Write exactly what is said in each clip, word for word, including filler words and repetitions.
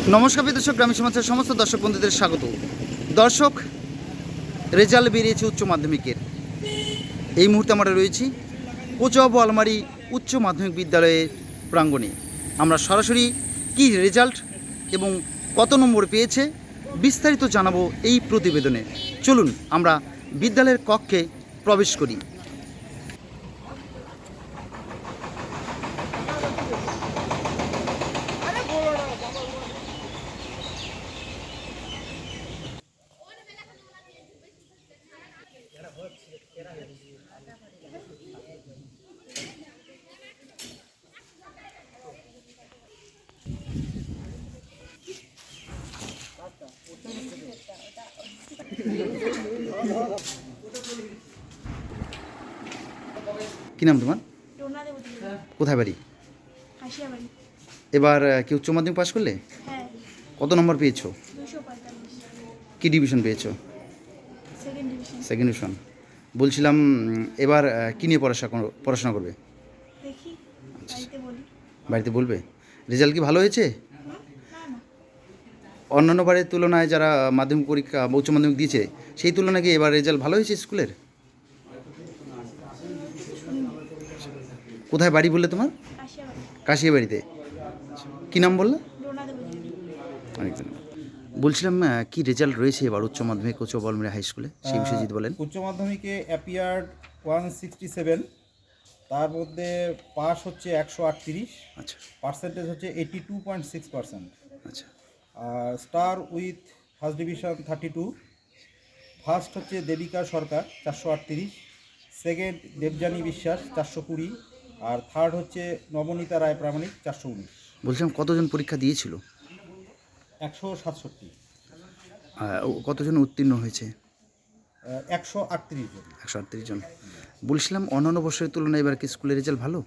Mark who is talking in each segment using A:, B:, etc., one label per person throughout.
A: নমস্কার দর্শক, গ্রামীণ সমাজের সমস্ত দর্শক বন্ধুদের স্বাগত। দর্শক, রেজাল্ট বেরিয়েছে উচ্চ মাধ্যমিকের। এই মুহূর্তে আমরা রয়েছি কোচুয়া বোয়ালমারি উচ্চ মাধ্যমিক বিদ্যালয়ের প্রাঙ্গণে। আমরা সরাসরি কি রেজাল্ট এবং কত নম্বর পেয়েছে বিস্তারিত জানাবো এই প্রতিবেদনে। চলুন আমরা বিদ্যালয়ের কক্ষে প্রবেশ করি। কি নাম তোমার? কোথায় বাড়ি? এবার কি উচ্চ মাধ্যমিক পাশ করলে? কত নম্বর পেয়েছো? কি ডিভিশন পেয়েছো? Second division. বলছিলাম এবার কী নিয়ে পড়াশোনা পড়াশোনা করবে? বাড়িতে বলবে? রেজাল্ট কি ভালো হয়েছে? অন্যান্য বারের তুলনায় যারা মাধ্যমিক পরীক্ষা উচ্চ মাধ্যমিক দিয়েছে সেই তুলনায় কি এবার রেজাল্ট ভালো হয়েছে স্কুলের? কোথায় বাড়ি বললে তোমার? কাশিয়া বাড়িতে। কী নাম বললে? অনেক ধন্যবাদ। বলছিলাম কি রেজাল্ট রয়েছে এবার উচ্চ মাধ্যমিক কোচুয়া বোয়ালমারি হাই স্কুলে, সেই বিষয়ে যদি বলেন।
B: উচ্চ মাধ্যমিকে অ্যাপিয়ার্ড ওয়ান সিক্সটি সেভেন, তার মধ্যে পাস হচ্ছে একশো আটত্রিশ।
A: আচ্ছা।
B: পার্সেন্টেজ হচ্ছে eighty two point six percent.
A: আচ্ছা।
B: আর star with first division thirty two. First হচ্ছে দেবিকা সরকার চারশো আটত্রিশ, সেকেন্ড দেবযানী বিশ্বাস চারশো কুড়ি, আর থার্ড হচ্ছে নবনীতা রায় প্রামাণিক চারশো উনিশ।
A: বলছিলাম কতজন পরীক্ষা দিয়েছিল?
B: একশো সাতষট্টি।
A: কতজন উত্তীর্ণ হয়েছে?
B: একশো আটত্রিশ জন।
A: একশো আটত্রিশ জন। বলছিলাম অন্যান্য বছরের তুলনায় এবার কি স্কুলের রেজাল্ট ভালো?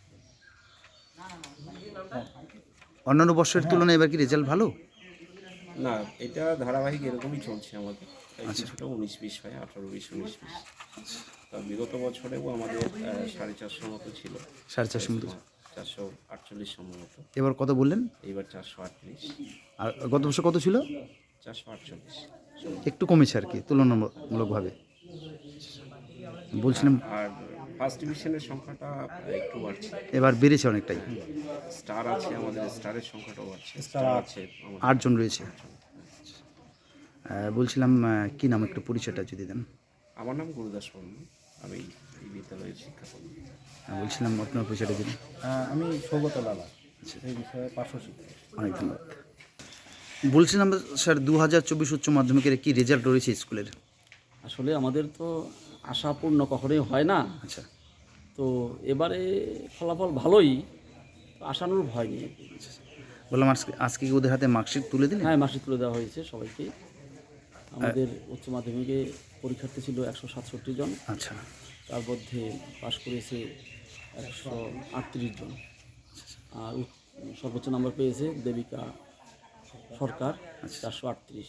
A: অন্যান্য বছরের তুলনায় এবার কি রেজাল্ট ভালো?
C: না, এটা ধারাবাহিক এরকমই চলছে আমাদের। কিছুটা উনিশ বিশ হয়, আঠারো বিশ উনিশ বিশ। তা বিগত বছরেও আমাদের সাড়ে চারশো মতো ছিল।
A: সাড়ে চারশো মতো।
C: চারশো আটচল্লিশ সম্ভবত।
A: এবার কত বললেন?
C: এইবার চারশো আটত্রিশ।
A: আর গত বছর কত ছিল?
C: চারশো আটচল্লিশ।
A: একটু কমেছে আর কি তুলনামূলকভাবে। বলছিলাম
C: আর ফার্স্ট ডিভিশনের সংখ্যাটা একটু বাড়ছে,
A: এবার বেড়েছে অনেকটাই।
C: স্টার আছে আমাদের, স্টারের সংখ্যাটাও বাড়ছে।
B: স্টার
C: আছে
A: আটজন রয়েছে। বলছিলাম কি নাম, একটু পরিচয়টা যদি দেন।
C: আমার নাম গুরুদাস বর্মন, আমি এই বিদ্যালয়ের শিক্ষাকর্মী।
A: বলছিলাম আপনার পরিচয়টা দিন।
B: আমি সৌগত লালা, এই বিষয়ে পার্শ্ব শিক্ষক।
A: অনেক ধন্যবাদ। বলছিলাম স্যার, দু হাজার চব্বিশ উচ্চ মাধ্যমিকের কি রেজাল্ট রয়েছে স্কুলের?
D: আসলে আমাদের তো আশাপূর্ণ কখনোই হয় না।
A: আচ্ছা।
D: তো এবারে ফলাফল ভালোই, আশানুরূপ হয়নি।
A: বললাম আজকে আজকে কি ওদের হাতে মার্কশিট তুলে দিলেন?
D: হ্যাঁ, মার্কশিট তুলে দেওয়া হয়েছে সবাইকে। আমাদের উচ্চ মাধ্যমিকে পরীক্ষার্থী ছিল একশো সাতষট্টি জন।
A: আচ্ছা।
D: তার মধ্যে পাশ করেছে একশো আটত্রিশ জন। আর সর্বোচ্চ নাম্বার পেয়েছে দেবিকা সরকার চারশো আটত্রিশ।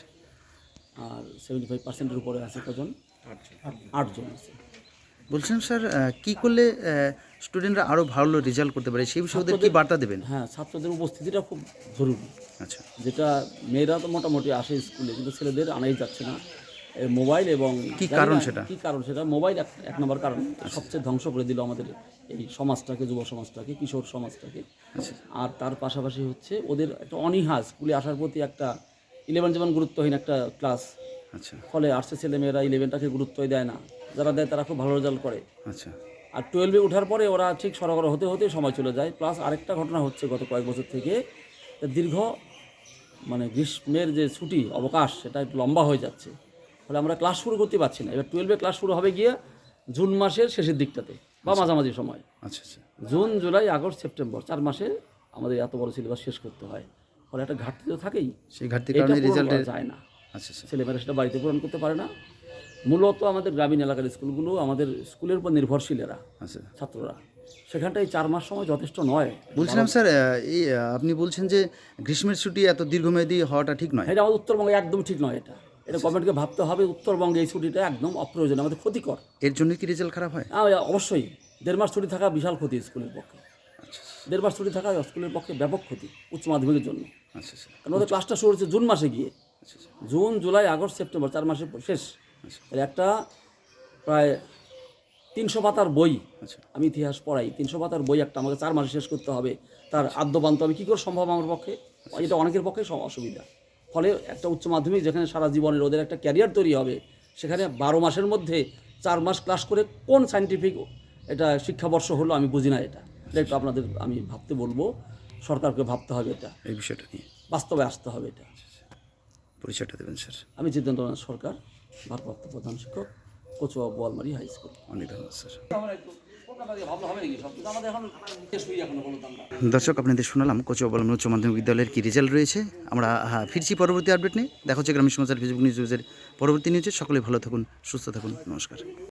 D: আর সেভেন্টি ফাইভ পার্সেন্টের উপরে আছে কজন? আটজন আছে।
A: বলছিলাম স্যার, কি করলে স্টুডেন্টরা আরও ভালো রেজাল্ট করতে পারে সেই বিষয়ে ওদের কি বার্তা দেবেন?
D: হ্যাঁ, ছাত্রদের উপস্থিতিটা খুব জরুরি।
A: আচ্ছা।
D: যেটা মেয়েরা তো মোটামুটি আসে স্কুলে, কিন্তু ছেলেদের আনাই যাচ্ছে না। মোবাইল এবং
A: কি কারণ সেটা?
D: কি কারণ সেটা মোবাইল এক এক নম্বর কারণ। সবচেয়ে ধ্বংস করে দিল আমাদের এই সমাজটাকে, যুব সমাজটাকে, কিশোর সমাজটাকে। আর তার পাশাপাশি হচ্ছে ওদের একটা অনীহা স্কুলে আসার প্রতি, একটা ইলেভেন যেমন গুরুত্বহীন একটা ক্লাস।
A: আচ্ছা।
D: ফলে আর্টসের ছেলেমেয়েরা ইলেভেনটাকে গুরুত্বই দেয় না, যারা দেয় তারা খুব ভালো রেজাল্ট করে।
A: আচ্ছা।
D: আর টুয়েলভে ওঠার পরে ওরা ঠিক সরগর হতে হতে সময় চলে যায়। প্লাস আরেকটা ঘটনা হচ্ছে গত কয়েক বছর থেকে, দীর্ঘ মানে গ্রীষ্মের যে ছুটি অবকাশ সেটা একটু লম্বা হয়ে যাচ্ছে। ফলে আমরা ক্লাস শুরু করতে পারছি না। এবার টুয়েলভে ক্লাস শুরু হবে গিয়ে জুন মাসের শেষের দিকটাতে বা মাঝামাঝি সময়।
A: আচ্ছা। আচ্ছা।
D: জুন জুলাই আগস্ট সেপ্টেম্বর চার মাসে আমাদের এত বড় সিলেবাস শেষ করতে হয়। ফলে একটা ঘাটতি তো থাকেই,
A: সেই ঘাটতির কারণে রেজাল্ট
D: যায় না।
A: আচ্ছা।
D: ছেলেমেয়েরা সেটা বাড়িতে পূরণ করতে পারে না। মূলত আমাদের গ্রামীণ এলাকার স্কুলগুলো আমাদের স্কুলের উপর নির্ভরশীলেরা,
A: আচ্ছা,
D: ছাত্ররা, সেখানটায় চার মাস সময় যথেষ্ট নয়।
A: বলছিলাম স্যার, এই আপনি বলছেন যে গ্রীষ্মের ছুটি এত দীর্ঘমেয়াদী হওয়াটা ঠিক নয়।
D: এটা আমাদের উত্তরবঙ্গে একদম ঠিক নয়। এটা এটা গভর্নমেন্টকে ভাবতে হবে। উত্তরবঙ্গে এই ছুটিটা একদম অপ্রয়োজনীয়, আমাদের ক্ষতিকর।
A: এর জন্য কি রেজাল্ট খারাপ হয়?
D: হ্যাঁ, অবশ্যই। দেড় মাস ছুটি থাকা বিশাল ক্ষতি স্কুলের পক্ষে। দেড় মাস ছুটি থাকা স্কুলের পক্ষে ব্যাপক ক্ষতি উচ্চ মাধ্যমিকের জন্য।
A: আচ্ছা আচ্ছা
D: কারণ ওদের ক্লাসটা শুরু হচ্ছে জুন মাসে গিয়ে,
A: আচ্ছা আচ্ছা
D: জুন জুলাই আগস্ট সেপ্টেম্বর চার মাসে শেষ।
A: আচ্ছা
D: তাহলে একটা প্রায় তিনশো পাতার বই,
A: আচ্ছা
D: আমি ইতিহাস পড়াই, তিনশো পাতার বই একটা আমাকে চার মাসে শেষ করতে হবে, তার আদ্যবান্ত হবে কী করে সম্ভব আমার পক্ষে? এটা অনেকের পক্ষে সম- অসুবিধা। ফলে একটা উচ্চ মাধ্যমিক যেখানে সারা জীবনের ওদের একটা ক্যারিয়ার তৈরি হবে, সেখানে বারো মাসের মধ্যে চার মাস ক্লাস করে কোন সায়েন্টিফিক এটা শিক্ষাবর্ষ হলো আমি বুঝি না। এটা এটা একটু আপনাদের আমি ভাবতে বলবো, সরকারকে ভাবতে হবে, এটা
A: এই বিষয়টা নিয়ে
D: বাস্তবে আসতে হবে। এটা
A: পরিচয়টা দেবেন স্যার।
D: আমি জিতেন্দ্রনাথ সরকার, ভারপ্রাপ্ত প্রধান শিক্ষক, কচুয়া বোয়ালমারি হাই স্কুল।
A: অনেক ধন্যবাদ স্যার।
D: আমাদের
A: দর্শক আপনাদের শোনালাম কচুয়া বোয়ালমারি উচ্চ মাধ্যমিক বিদ্যালয়ের কী রেজাল্ট রয়েছে। আমরা হ্যাঁ ফিরছি পরবর্তী আপডেট নিয়ে। দেখা হচ্ছে গ্রামীণ সমাচার ফেসবুক নিউজের পরবর্তী নিউজে। সকলে ভালো থাকুন, সুস্থ থাকুন, নমস্কার।